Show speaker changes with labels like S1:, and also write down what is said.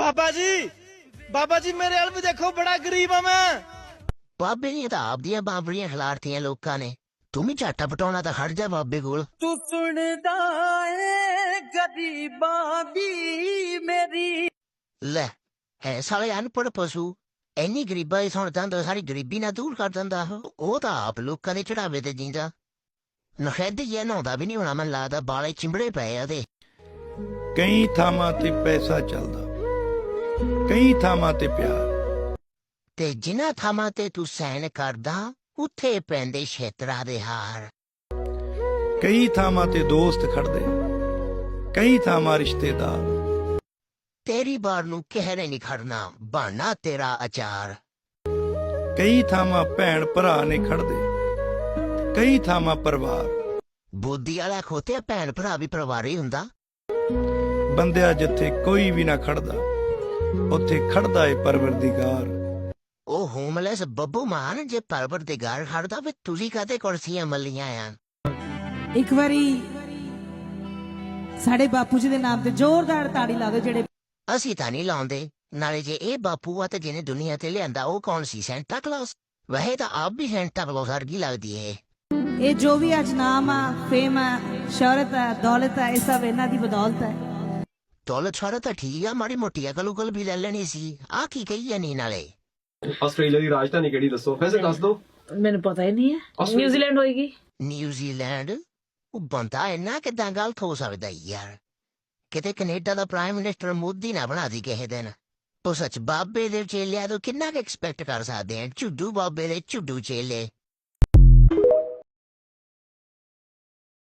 S1: ਬਾਬਾ ਜੀ ਮੇਰੇ ਵੱਲ ਵੀ ਦੇਖੋ, ਬੜਾ ਗਰੀਬ ਆ ਮੈਂ।
S2: ਬਾਬੇ ਦੀਆਂ ਤਾਂ ਆਪਦੀਆਂ ਬਾਬਰੀਆਂ ਖਿਲਾਰਤੀਆਂ ਲੋਕਾਂ ਨੇ। ਤੂੰ ਵੀ ਝਾਟਾ ਪਟਾਉਣਾ ਤਾਂ ਖੜ ਜਾ ਬਾਬੇ ਕੋਲ।
S3: ਤੂੰ ਸੁਣਦਾ ਏ ਗਰੀਬਾਂ ਦੀ ਮੇਰੀ।
S2: ਲੈ ਹੈ ਸਾਲੇ ਅਨਪੜ੍ਹ ਪਸ਼ੂ। ਇੰਨੀ ਗਰੀਬਾਂ ਦੀ ਸੁਣ ਜਾਂਦਾ, ਸਾਰੀ ਗਰੀਬੀ ਨਾ ਦੂਰ ਕਰ ਦਿੰਦਾ। ਉਹ ਤਾਂ ਆਪ ਲੋਕਾਂ ਦੇ ਚੜਾਵੇ ਤੇ ਜੀਂਦਾ। ਨਖੈਦ ਜਿਹਾ ਨਹਾਉਂਦਾ ਵੀ ਨਹੀਂ ਹੋਣਾ, ਮੈਨੂੰ ਲੱਗਦਾ ਬਾਲੇ ਚਿੰਬੜੇ ਪਏ ਆ ਉਹਦੇ।
S4: ਕਈ ਥਾਵਾਂ ਤੇ ਪੈਸਾ ਚੱਲਦਾ, ਕਈ ਥਾਵਾਂ ਤੇ ਪਿਆਰ,
S2: ਤੇ ਜਿਨ੍ਹਾਂ ਥਾਵਾਂ ਤੇ ਤੂੰ ਸੈਨ ਕਰਦਾ ਉੱਥੇ ਪੈਂਦੇ ਛੇਤਰਾਂ ਦੇ ਹਾਰ।
S4: ਕਈ ਥਾਵਾਂ ਤੇ ਦੋਸਤ ਖੜਦੇ, ਕਈ ਥਾਵਾਂ ਰਿਸ਼ਤੇਦਾਰ।
S2: ਤੇਰੀ ਬਾਰ ਨੂੰ ਕਹਿਰੇ ਨਹੀਂ ਖੜਨਾ, ਬਣਨਾ ਤੇਰਾ ਅਚਾਰ।
S4: ਕਈ ਥਾਵਾਂ ਭੈਣ ਭਰਾ ਨੇ ਖੜਦੇ, ਕਈ ਥਾਵਾਂ ਪਰਿਵਾਰ।
S2: ਬੁੱਧੀ ਵਾਲਾ ਖੋਤੇ ਭੈਣ ਭਰਾ ਵੀ ਪਰਿਵਾਰ ਹੀ ਹੁੰਦਾ।
S4: ਬੰਦਿਆ ਜਿੱਥੇ ਕੋਈ ਵੀ ਨਾ ਖੜਦਾ, ਉੱਥੇ ਖੜਦਾ ਏ ਪਰਵਰਦੀਗਾਰ।
S2: ਉਹ ਹੋਮਲੈਸ ਬੱਬੂ ਮਾਨ ਜੇ ਪਰਵਰਦੀਗਾਰ ਖੜਦਾ ਵੇ, ਤੁਸੀਂ ਕਾਹਤੇ ਕੁਰਸੀਆਂ ਮੱਲੀਆਂ ਆ।
S5: ਇੱਕ ਵਾਰੀ ਸਾਡੇ ਬਾਪੂ ਜੀ ਦੇ ਨਾਮ ਤੇ ਜ਼ੋਰਦਾਰ ਤਾੜੀ ਲਾ ਦਿਓ। ਜਿਹੜੇ
S2: ਅਸੀਂ ਤਾਂ ਨਹੀਂ ਲਾਉਂਦੇ। ਨਾਲੇ ਜੇ ਇਹ ਬਾਪੂ ਆ ਤੇ ਜਿਹਨੇ ਦੁਨੀਆ ਤੇ ਲਿਆਂਦਾ ਉਹ ਕੌਣ ਸੀ, ਸੈਂਟਾ ਕਲੌਸ? ਵੈਸੇ ਤਾਂ ਆਪ ਵੀ ਸੈਂਟਾ ਕਲੌਸ ਵਰਗੀ ਲੱਗਦੀ ਏ।
S5: ਇਹ ਜੋ ਵੀ ਅੱਜ ਨਾਮ ਆ, ਫੇਮ ਆ, ਸ਼ੌਹਰਤ ਆ, ਦੌਲਤ ਆ, ਇਹ ਸਭ ਇਹਨਾਂ ਦੀ ਬਦੌਲਤ ਹੈ।
S2: ਦੌਲਤ ਸ਼ੌਹਰਤ ਤਾਂ ਠੀਕ ਆ, ਮਾੜੀ ਮੋਟੀ ਅਕਲ ਉਕਲ ਵੀ ਲੈ ਲੈਣੀ ਸੀ। ਆ ਕੀ ਕਹੀ ਜਾਨੀ ਨਾਲੇ?
S6: ਆਸਟ੍ਰੇਲੀਆ ਦੀ ਰਾਜਧਾਨੀ ਕਿਹੜੀ ਦੱਸੋ? ਵੈਸੇ ਦੱਸ ਦੋ।
S7: ਮੈਨੂੰ ਪਤਾ ਹੀ ਨਹੀਂ ਹੈ। ਨਿਊਜ਼ੀਲੈਂਡ ਹੋਏਗੀ।
S2: ਨਿਊਜ਼ੀਲੈਂਡ? ਉਹ ਬੰਦਾ ਇੰਨਾ ਕਿੱਦਾਂ ਗਲਤ ਹੋ ਸਕਦਾ ਯਾਰ? ਕਿਤੇ ਕੈਨੇਡਾ ਦਾ ਪ੍ਰਾਈਮ ਮਿਨਿਸਟਰ ਮੋਦੀ ਨਾ ਬਣਾ ਦੀ ਕਿਸੇ ਦਿਨ। ਉਹ ਸੱਚ ਬਾਬੇ ਦੇ ਚੇਲਿਆਂ ਤੋਂ ਕਿੰਨਾ ਕੁ ਐਕਸਪੈਕਟ ਕਰ ਸਕਦੇ ਆ? ਝੁੱਡੂ ਬਾਬੇ ਦੇ ਝੁੱਡੂ ਚੇਲੇ।